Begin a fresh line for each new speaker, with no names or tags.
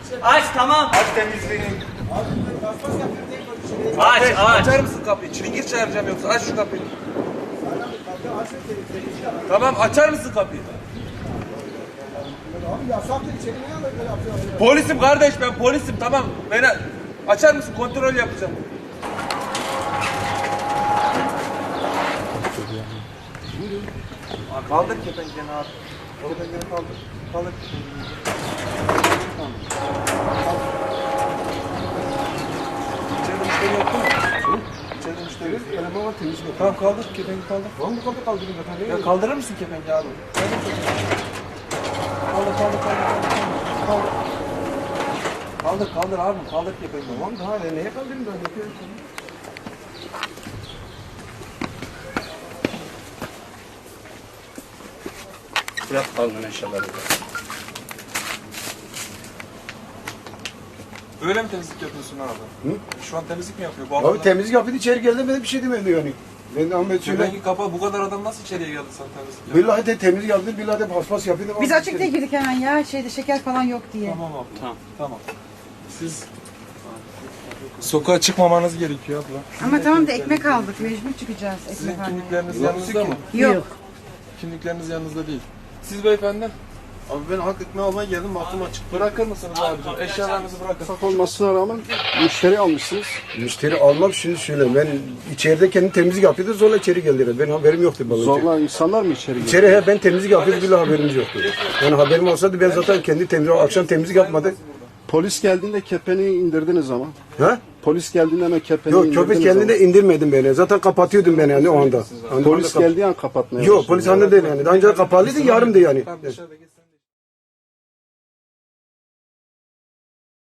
Aç tamam.
Aç temizliğini.
Aç aç.
Açar mısın kapıyı? Çilingir çağıracağım yoksa aç şu kapıyı. Tamam açar mısın kapıyı?
Abi yasaktır içeri ne yapıyorsun?
Polisim kardeş ben polisim tamam. Beni açar mısın? Kontrol yapacağım. Kaldır kepenkeni abi. Kepenkeni kaldır. Kaldır kepenkeni. İçeride müşteri yok değil mi? İçeride müşteri yok.
Eleman var temiz mi?
Tamam kaldır kepengi kaldır.
Lan bu kapı kaldırın zaten.
Ya kaldırır mısın kepengi abi? Kaldır kaldır kaldır kaldır. Kaldır kaldır abi kaldır kepengi.
Tamam daha neye kaldırın ben yapıyorum.
Bırak kaldın eşyaları.
Böyle mi temizlik yapıyorsun abi?
Hı?
Şu an temizlik mi yapıyor? Bu
Abi
adamlar...
temizlik yapıyordu içeri geldi ben de bir şey demedi yani. Ben de Ahmet söyle.
Kepengi kapa bu kadar adam nasıl içeriye geldi sen temizlik yapıyorsun?
Billahi de temizlik yaptı, billahi de paspas yapıyordu.
Biz açık diye girdik hemen ya şeyde şeker falan yok diye.
Tamam abi.
Tamam.
Tamam. Siz sokağa çıkmamanız gerekiyor abla.
Ama tamam da ekmek aldık mecbur çıkacağız
Sizin
ekmek almaya.
kimlikleriniz yanınızda mı?
Yok.
Kimlikleriniz yanınızda değil. Siz beyefendi
Abi ben hak etme almaya geldim baktım açık.
bırakır mısınız abicim? Eşyalarınızı bırakın.
Yasak olmasına rağmen müşteri almışsınız.
Müşteri almak şimdi şöyle ben içeride kendi temizlik yapıyordu zorla içeri geldiler. Benim haberim yoktu bana.
Zorla insanlar mı içeri giriyor?
İçeri ben temizlik yapıyordum bile haberimiz yoktu. Yani haberim olsaydı ben zaten kendi temizlik akşam temizlik yapmadı.
Polis geldiğinde kepeni indirdiniz ama.
Ha?
Polis geldiğinde hemen kepeni
Yok
indirdiniz
köpek kendine indirmedim beni. Zaten kapatıyordum ben yani o anda.
ama. Polis geldiği an kapatmaya
Yok
başladınız.
polis anne değil yani. Daha önce kapalıydı yarımdı yani.
Tamam dışarıda gitsin.